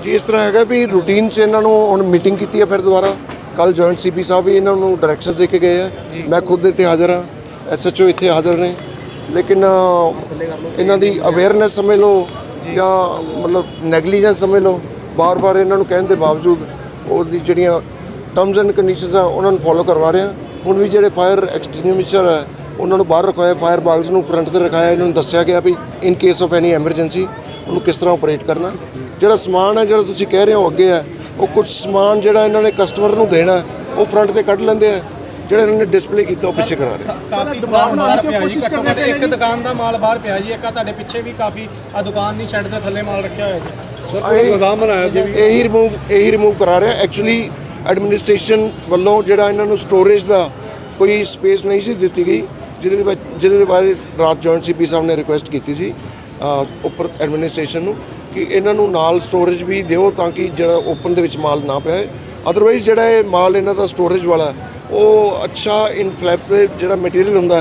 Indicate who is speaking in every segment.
Speaker 1: ਜੀ ਇਸ ਤਰ੍ਹਾਂ ਹੈਗਾ ਵੀ ਰੂਟੀਨ 'ਚ ਇਹਨਾਂ ਨੂੰ ਹੁਣ ਮੀਟਿੰਗ ਕੀਤੀ ਹੈ ਫਿਰ ਦੁਬਾਰਾ। ਕੱਲ ਜੁਆਇੰਟ ਸੀਪੀ ਸਾਹਿਬ ਵੀ ਇਹਨਾਂ ਨੂੰ ਡਾਇਰੈਕਸ਼ਨਸ ਦੇ ਕੇ ਗਏ ਆ। ਮੈਂ ਖੁਦ ਇੱਥੇ ਹਾਜ਼ਰ ਹਾਂ, SHO ਇੱਥੇ ਹਾਜ਼ਰ ਨੇ। ਲੇਕਿਨ ਇਹਨਾਂ ਦੀ ਅਵੇਅਰਨੈਸ ਸਮਝ ਲਓ ਜਾਂ ਮਤਲਬ ਨੈਗਲੀਜੈਂਸ ਸਮਝ ਲਓ, ਬਾਰ-ਬਾਰ ਇਹਨਾਂ ਨੂੰ ਕਹਿਣ ਦੇ ਬਾਵਜੂਦ ਉਹਦੀ ਜਿਹੜੀਆਂ ਟਰਮਸ ਐਂਡ ਕੰਡੀਸ਼ਨਸ ਆ ਉਹਨਾਂ ਨੂੰ ਫੋਲੋ ਕਰਵਾ ਰਹੇ ਆ। ਹੁਣ ਵੀ ਜਿਹੜੇ ਫਾਇਰ ਐਕਸਟਿੰਗੁਇਸ਼ਰ ਹੈ ਉਹਨਾਂ ਨੂੰ ਬਾਹਰ ਰਖਵਾਇਆ, ਫਾਇਰ ਬਾਗਸ ਨੂੰ ਫਰੰਟ ਤੇ ਰਖਾਇਆ। ਇਹਨਾਂ ਨੂੰ ਦੱਸਿਆ ਗਿਆ ਵੀ in case of any emergency ਉਹਨੂੰ ਕਿਸ ਤਰ੍ਹਾਂ ਆਪਰੇਟ ਕਰਨਾ। ਜਿਹੜਾ ਸਮਾਨ ਹੈ ਜਿਹੜਾ ਤੁਸੀਂ ਕਹਿ ਰਹੇ ਹੋ ਅੱਗੇ ਹੈ, ਉਹ ਕੁਝ ਸਮਾਨ ਜਿਹੜਾ ਇਹਨਾਂ ਨੇ ਕਸਟਮਰ ਨੂੰ ਦੇਣਾ ਉਹ ਫਰੰਟ ਤੇ ਕੱਢ ਲੈਂਦੇ ਆ, ਜਿਹੜਾ ਇਹਨਾਂ ਨੇ ਡਿਸਪਲੇ ਕੀਤਾ ਉਹ ਪਿੱਛੇ ਕਰਾ ਰਹੇ।
Speaker 2: ਕਾਫੀ ਦੁਕਾਨ ਬਾਹਰ ਪਿਆ ਜੀ, ਘੱਟੋ ਘੱਟ ਇੱਕ ਦੁਕਾਨ ਦਾ ਮਾਲ ਬਾਹਰ ਪਿਆ ਜੀ। ਇੱਕ ਆ ਤੁਹਾਡੇ ਪਿੱਛੇ ਵੀ ਕਾਫੀ ਆ ਦੁਕਾਨ ਨਹੀਂ ਸ਼ੈੱਡ ਦੇ ਥੱਲੇ ਮਾਲ ਰੱਖਿਆ ਹੋਇਆ ਜੀ।
Speaker 3: ਗੋਦਾਮ ਬਣਾਇਆ ਜੀ,
Speaker 1: ਇਹੀ ਰਿਮੂਵ ਕਰਾ ਰਿਹਾ। ਐਕਚੁਅਲੀ ਐਡਮਿਨਿਸਟ੍ਰੇਸ਼ਨ ਵੱਲੋਂ ਜਿਹੜਾ ਇਹਨਾਂ ਨੂੰ ਸਟੋਰੇਜ ਦਾ ਕੋਈ ਸਪੇਸ ਨਹੀਂ ਸੀ ਦਿੱਤੀ ਗਈ, ਜਿਹਦੇ ਬਾਰੇ ਰਾਤ ਜੁਆਇੰਟ ਸੀਪੀ ਸਾਹਿਬ ਨੇ ਰਿਕੁਐਸਟ ਕੀਤੀ ਸੀ ਉੱਪਰ ਐਡਮਿਨਿਸਟ੍ਰੇਸ਼ਨ ਨੂੰ ਕਿ ਇਹਨਾਂ ਨੂੰ ਨਾਲ ਸਟੋਰੇਜ ਵੀ ਦਿਓ ਤਾਂ ਕਿ ਜਿਹੜਾ ਓਪਨ ਦੇ ਵਿੱਚ ਮਾਲ ਨਾ ਪਿਆ। ਅਦਰਵਾਈਜ਼ ਜਿਹੜਾ ਇਹ ਮਾਲ ਇਹਨਾਂ ਦਾ ਸਟੋਰੇਜ ਵਾਲਾ ਉਹ ਅੱਛਾ ਇਨਫਲੈਮੇਬਲ ਜਿਹੜਾ ਮਟੀਰੀਅਲ ਹੁੰਦਾ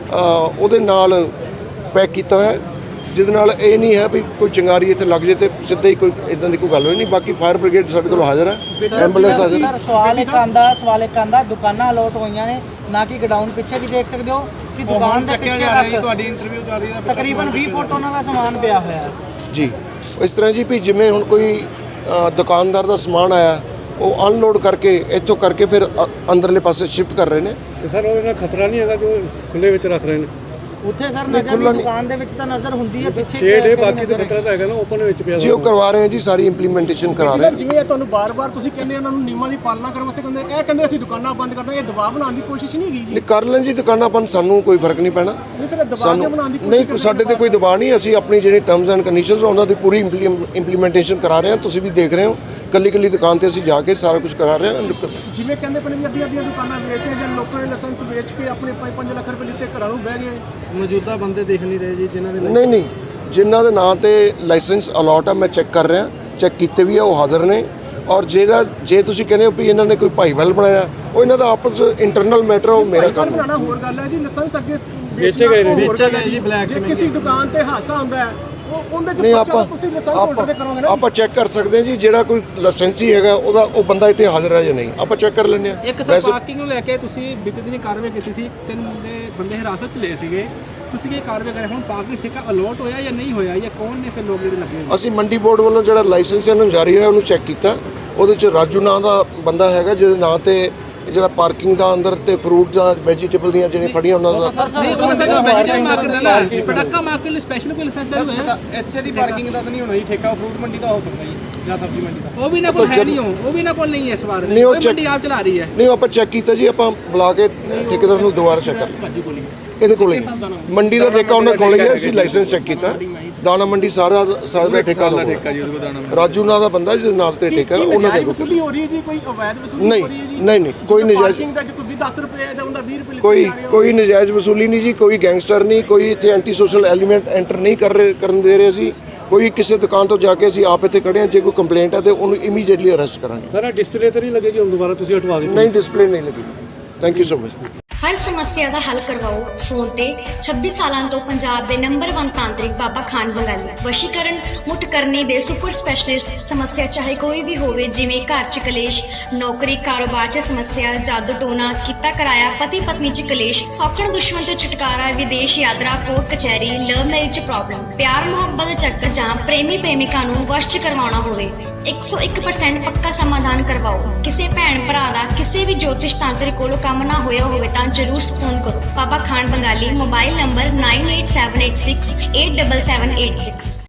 Speaker 1: ਉਹਦੇ ਨਾਲ ਪੈਕ ਕੀਤਾ ਹੋਇਆ, ਜਿਹਦੇ ਨਾਲ ਇਹ ਨਹੀਂ ਹੈ ਵੀ ਕੋਈ ਚਿੰਗਾਰੀ ਇੱਥੇ ਲੱਗ ਜੇ ਤੇ ਸਿੱਧਾ ਹੀ ਕੋਈ ਇਦਾਂ ਦੀ ਕੋਈ ਗੱਲ ਹੋਈ ਨਹੀਂ। ਬਾਕੀ ਫਾਇਰ ਬ੍ਰਿਗੇਡ ਸਾਡੇ ਕੋਲ ਹਾਜ਼ਰ ਹੈ, ਐਂਬੂਲੈਂਸ ਹਾਜ਼ਰ ਹੈ।
Speaker 4: ਸਵਾਲ ਇੱਕ ਆਂਦਾ ਦੁਕਾਨਾਂ ਅਲੋਟ ਹੋਈਆਂ ਨੇ ਨਾ ਕਿ ਗਡਾਊਨ ਪਿੱਛੇ ਵੀ ਦੇਖ ਸਕਦੇ ਹੋ ਕਿ ਦੁਕਾਨ ਦੇ ਪਿੱਛੇ ਤੱਕ
Speaker 2: ਤੁਹਾਡੀ ਇੰਟਰਵਿਊ ਚੱਲ ਰਹੀ ਹੈ,
Speaker 4: ਤਕਰੀਬਨ 20 ਫੁੱਟ ਉਹਨਾਂ ਦਾ ਸਮਾਨ ਪਿਆ ਹੋਇਆ ਹੈ
Speaker 1: ਜੀ। ਇਸ ਤਰ੍ਹਾਂ ਜੀ ਵੀ ਜਿਵੇਂ ਹੁਣ ਕੋਈ ਦੁਕਾਨਦਾਰ ਦਾ ਸਮਾਨ ਆਇਆ ਉਹ ਅਨਲੋਡ ਕਰਕੇ ਇੱਥੋਂ ਕਰਕੇ ਫਿਰ ਅੰਦਰਲੇ ਪਾਸੇ ਸ਼ਿਫਟ ਕਰ ਰਹੇ ਨੇ।
Speaker 3: ਤੇ ਸਰ ਉਹਦੇ ਨਾਲ ਖਤਰਾ ਨਹੀਂ ਹੈਗਾ ਜੋ ਖੁੱਲੇ ਵਿੱਚ ਰੱਖ ਰਹੇ ਨੇ?
Speaker 4: ਉੱਥੇ ਸਰ ਨਜ਼ਰ ਦੀ ਦੁਕਾਨ ਦੇ ਵਿੱਚ ਤਾਂ ਨਜ਼ਰ ਹੁੰਦੀ ਹੈ, ਪਿੱਛੇ
Speaker 3: ਸ਼ੇਡ ਹੈ, ਬਾਕੀ ਤਾਂ ਖਤਰਾ ਤਾਂ ਹੈਗਾ ਨਾ ਓਪਨ ਵਿੱਚ ਪਿਆ
Speaker 1: ਜੀ। ਉਹ ਕਰਵਾ ਰਹੇ ਹਾਂ ਜੀ, ਸਾਰੀ ਇੰਪਲੀਮੈਂਟੇਸ਼ਨ ਕਰਾ ਰਹੇ।
Speaker 5: ਜਿਵੇਂ ਤੁਹਾਨੂੰ ਬਾਰ-ਬਾਰ ਤੁਸੀਂ ਕਹਿੰਦੇ ਉਹਨਾਂ ਨੂੰ ਨਿਯਮਾਂ ਦੀ ਪਾਲਣਾ ਕਰਨ ਵਾਸਤੇ ਕਹਿੰਦੇ, ਇਹ ਕਹਿੰਦੇ ਅਸੀਂ ਦੁਕਾਨਾਂ ਬੰਦ ਕਰਨਾ, ਇਹ ਦਬਾਅ ਬਣਾਉਣ ਦੀ ਕੋਸ਼ਿਸ਼ ਨਹੀਂ ਹੈਗੀ ਜੀ?
Speaker 1: ਨਹੀਂ ਕਰ ਲੈਣ ਜੀ ਦੁਕਾਨਾਂ ਬੰਦ, ਸਾਨੂੰ ਕੋਈ ਫਰਕ ਨਹੀਂ ਪੈਣਾ। ਸਾਨੂੰ ਨਹੀਂ, ਸਾਡੇ ਤੇ ਕੋਈ ਦਬਾਅ ਨਹੀਂ। ਅਸੀਂ ਆਪਣੀ ਜਿਹੜੀ ਟਰਮਸ ਐਂਡ ਕੰਡੀਸ਼ਨਸ ਉਹਨਾਂ ਦੀ ਪੂਰੀ ਇੰਪਲੀਮੈਂਟੇਸ਼ਨ ਕਰਾ ਰਹੇ ਹਾਂ। ਤੁਸੀਂ ਵੀ ਦੇਖ ਰਹੇ ਹੋ ਕੱਲੀ ਦੁਕਾਨ ਤੇ ਅਸੀਂ ਜਾ ਕੇ ਸਾਰਾ ਕੁਝ ਕਰਾ ਰਹੇ ਹਾਂ।
Speaker 5: ਜਿਵੇਂ ਕਹਿੰਦੇ ਪਏ ਵੀ ਅੱਧੀਆਂ ਦੁਕਾਨਾਂ ਵੇਚਦੇ ਜਾਂ ਲੋਕਾਂ ਨੇ ਲਾਇਸੈਂਸ ਵੇਚ ਕੇ ਆਪਣੇ 5 ਲੱਖ ਰੁਪਏ ਲਿੱਤੇ ਘਰਾਂ ਨੂੰ ਬਹਿ ਗਏ।
Speaker 2: ਮੌਜੂਦਾ ਬੰਦੇ ਦੇਖ ਨਹੀਂ ਰਹੇ ਜੀ ਜਿਨ੍ਹਾਂ ਦੇ
Speaker 1: ਨਹੀਂ ਜਿਨ੍ਹਾਂ ਦੇ ਨਾਂ ਤੇ ਲਾਇਸੈਂਸ ਅਲਾਟ ਆ, ਮੈਂ ਚੈੱਕ ਕਰ ਰਿਹਾ, ਚੈੱਕ ਕੀਤੇ ਵੀ ਆ, ਉਹ ਹਾਜ਼ਰ ਨੇ। ਔਰ ਜੇ ਤੁਸੀਂ ਕਹਿੰਦੇ ਹੋ ਵੀ ਇਹਨਾਂ ਨੇ ਕੋਈ ਭਾਈਵਾਲ ਬਣਾਇਆ, ਉਹ ਇਹਨਾਂ ਦਾ ਆਪਸ ਇੰਟਰਨਲ ਮੈਟਰ, ਉਹ ਮੇਰਾ ਕੰਮ
Speaker 5: ਬਣਾਉਣਾ ਹੋਰ ਗੱਲ ਹੈ ਜੀ। ਲਾਇਸੈਂਸ ਅੱਗੇ
Speaker 3: ਵੇਚੇ ਗਏ ਨੇ
Speaker 2: ਜੀ ਬਲੈਕ ਚ।
Speaker 5: ਕਿਸੇ ਦੁਕਾਨ ਤੇ ਹਾਦਸਾ ਹੁੰਦਾ ਹੈ ਉਹਦੇ
Speaker 1: ਨਹੀਂ
Speaker 5: ਤੇ ਤੁਸੀਂ ਲਾਇਸੈਂਸ ਹੋਲਡਰ ਤੇ ਕਰੋਗੇ ਨਾ।
Speaker 1: ਆਪਾਂ ਚੈੱਕ ਕਰ ਸਕਦੇ ਹਾਂ ਜੀ, ਜਿਹੜਾ ਕੋਈ ਲਾਇਸੈਂਸੀ ਹੈਗਾ ਉਹ ਬੰਦਾ ਇੱਥੇ ਹਾਜ਼ਰ ਹੈ ਜਾਂ ਨਹੀਂ, ਆਪਾਂ ਚੈੱਕ ਕਰ ਲੈਂਦੇ ਹਾਂ।
Speaker 5: ਇੱਕ ਸਰ ਪਾਰਕਿੰਗ ਨੂੰ ਲੈ ਕੇ ਤੁਸੀਂ ਬੀਤੇ ਦਿਨੀ ਕਾਰਵਾਈ ਕੀਤੀ ਸੀ, 3 ਬੰਦੇ ਹਿਰਾਸਤ 'ਚ ਲਏ ਸੀਗੇ, ਤੁਸੀਂ ਕੀ ਕਾਰਵਾਈ ਕਰੇ? ਹੁਣ ਪਾਰਕਿੰਗ ਠੇਕਾ ਅਲੋਟ ਹੋਇਆ ਜਾਂ ਨਹੀਂ ਹੋਇਆ, ਜਾਂ ਕੌਣ ਨੇ ਫਿਰ ਲੋਕ ਜਿਹੜੇ ਲੱਗੇ?
Speaker 1: ਅਸੀਂ ਮੰਡੀ ਬੋਰਡ ਵੱਲੋਂ ਜਿਹੜਾ ਲਾਇਸੈਂਸ ਇਹਨਾਂ ਨੂੰ ਜਾਰੀ ਹੋਇਆ ਉਹਨੂੰ ਚੈੱਕ ਕੀਤਾ। ਉਹਦੇ 'ਚ ਰਾਜੂ ਨਾਂ ਦਾ ਬੰਦਾ ਹੈਗਾ, ਜਿਹਦੇ ਨਾਂ ਤੇ ਜਿਹੜਾ ਪਾਰਕਿੰਗ ਦਾ ਅੰਦਰ ਤੇ ਫਰੂਟ ਜਾਂ ਵੈਜੀਟੇਬਲ ਦੀਆਂ ਜਿਹੜੀਆਂ ਫੜੀਆਂ ਉਹਨਾਂ ਦਾ
Speaker 5: ਨਹੀਂ, ਉਹਨਾਂ ਦਾ ਵੈਜੀਟੇਬਲ ਮਾਰਕੀਟ ਦਾ ਨਾ ਪਟਾਕਾ ਮਾਰਕੀਟ ਲਈ ਸਪੈਸ਼ਲ ਕੋਈ ਲਾਇਸੈਂਸ ਚਾਲੂ ਹੈ?
Speaker 2: ਇੱਥੇ ਦੀ ਪਾਰਕਿੰਗ ਦਾ ਤਾਂ ਨਹੀਂ ਹੋਣਾ ਜੀ, ਠੇਕਾ ਫਰੂਟ ਮੰਡੀ ਦਾ ਹੋ ਸਕਦਾ ਜੀ ਜਾਂ ਸਬਜ਼ੀ ਮੰਡੀ ਦਾ।
Speaker 5: ਉਹ ਵੀ ਨਾ ਕੋਲ ਹੈ ਨਹੀਂ, ਉਹ ਵੀ ਨਾ ਕੋਲ ਨਹੀਂ ਹੈ ਇਸ ਵਾਰ।
Speaker 1: ਨਹੀਂ, ਉਹ
Speaker 5: ਮੰਡੀ ਆਪ ਚਲਾ ਰਹੀ ਹੈ।
Speaker 1: ਨਹੀਂ, ਆਪਾਂ ਚੈੱਕ ਕੀਤਾ ਜੀ, ਆਪਾਂ ਬੁਲਾ ਕੇ ਠੇਕੇਦਾਰ ਨੂੰ ਦੁਬਾਰਾ ਚੈੱਕ ਕਰ ਲਿਆ। ਇਹਦੇ ਕੋਲੇ ਮੰਡੀ ਦਾ ਠੇਕਾ ਉਹਨਾਂ ਕੋਲ ਹੀ, ਅਸੀਂ ਲਾਇਸੈਂਸ ਚੈੱਕ ਕੀਤਾ। ਦਾਣਾ ਮੰਡੀ ਸਾਰਾ ਦਾ ਠੇਕਾ ਰਾਜੂ ਨਾਂ ਦਾ ਬੰਦਾ ਜਿਹਦੇ ਨਾਂ ਤੇ ਠੇਕਾ ਉਹਨਾਂ ਦੇ
Speaker 5: ਵਸੂਲੀ ਹੋ ਰਹੀ ਹੈ ਜੀ, ਕੋਈ ਅਵੈਧ ਵਸੂਲੀ ਹੋ ਰਹੀ ਹੈ ਜੀ?
Speaker 1: ਨਹੀਂ ਕੋਈ ਨਜਾਇਜ਼,
Speaker 5: ਕੋਈ 10 ਰੁਪਏ ਦਾ ਹੁੰਦਾ 20 ਰੁਪਏ
Speaker 1: ਕੋਈ ਨਜਾਇਜ਼ ਵਸੂਲੀ ਨਹੀਂ ਜੀ, ਕੋਈ ਗੈਂਗਸਟਰ ਨਹੀਂ, ਕੋਈ ਇੱਥੇ ਐਂਟੀ ਸੋਸ਼ਲ ਐਲੀਮੈਂਟ ਐਂਟਰ ਨਹੀਂ ਕਰਨ ਦੇ ਰਹੇ ਅਸੀਂ। ਕੋਈ ਕਿਸੇ ਦੁਕਾਨ ਤੋਂ ਜਾ ਕੇ ਅਸੀਂ ਆਪ ਇੱਥੇ ਖੜੇ ਹਾਂ, ਜੇ ਕੋਈ ਕੰਪਲੇਂਟ ਹੈ ਤੇ ਉਹਨੂੰ ਇਮੀਡੀਏਟਲੀ ਅਰੈਸਟ ਕਰਾਂਗੇ।
Speaker 3: ਸਾਰਾ ਡਿਸਪਲੇ ਤਾਂ ਨਹੀਂ ਲੱਗੇਗੀ ਹੁਣ ਦੁਬਾਰਾ ਤੁਸੀਂ ਹਟਵਾ ਦਿੱਤੀ?
Speaker 1: ਨਹੀਂ, ਡਿਸਪਲੇ ਨਹੀਂ ਲੱਗੀ। Thank you so much.
Speaker 6: ਹਰ ਸਮੱਸਿਆ ਦਾ ਹੱਲ ਕਰਵਾਓ ਫੋਨ ਤੇ। 26 ਸਾਲਾਂ ਤੋਂ ਪੰਜਾਬ ਦੇ ਨੰਬਰ 1 ਤਾਂਤਰਿਕ ਬਾਬਾ ਖਾਨ ਬੰਗਾਲੀ। ਵਸ਼ੀਕਰਨ, ਮੁੱਠ ਕਰਨੀ ਦੇ ਸੁਪਰ ਸਪੈਸ਼ਲਿਸਟ। ਸਮੱਸਿਆ ਚਾਹੇ ਕੋਈ ਵੀ ਹੋਵੇ, ਜਿਵੇਂ ਘਰ 'ਚ ਕਲੇਸ਼, ਨੌਕਰੀ ਕਾਰੋਬਾਰ 'ਚ ਸਮੱਸਿਆ, ਜਾਦੂ ਟੋਨਾ, ਕੀਤਾ ਕਰਾਇਆ, ਪਤੀ ਪਤਨੀ 'ਚ ਕਲੇਸ਼, ਸੌਖਣ ਦੁਸ਼ਮਣ ਤੋਂ ਛੁਟਕਾਰਾ, ਵਿਦੇਸ਼ ਯਾਤਰਾ, ਕੋਰਟ ਕਚਹਿਰੀ, ਲਵ ਮੈਰਿਜ 'ਚ ਪ੍ਰੋਬਲਮ, ਪਿਆਰ ਮੁਹੱਬਤ ਦੇ ਚੱਕਰ ਜਾਂ ਪ੍ਰੇਮੀ ਪ੍ਰੇਮਿਕਾ ਨੂੰ ਵਸ਼ 'ਚ ਕਰਵਾਉਣਾ ਹੋਵੇ, 101% ਪੱਕਾ ਸਮਾਧਾਨ ਕਰਵਾਓ। ਕਿਸੇ ਭੈਣ ਭਰਾ ਦਾ ਕਿਸੇ ਵੀ ਜੋਤਿਸ਼ ਤਾਂਤਰਿਕ ਕੋਲੋਂ ਕੰਮ ਨਾ ਹੋਇਆ ਹੋਵੇ ਤਾਂ ਜ਼ਰੂਰ ਫੋਨ ਕਰੋ। ਬਾਬਾ ਖਾਨ ਬੰਗਾਲੀ। Mobile number 9878687786।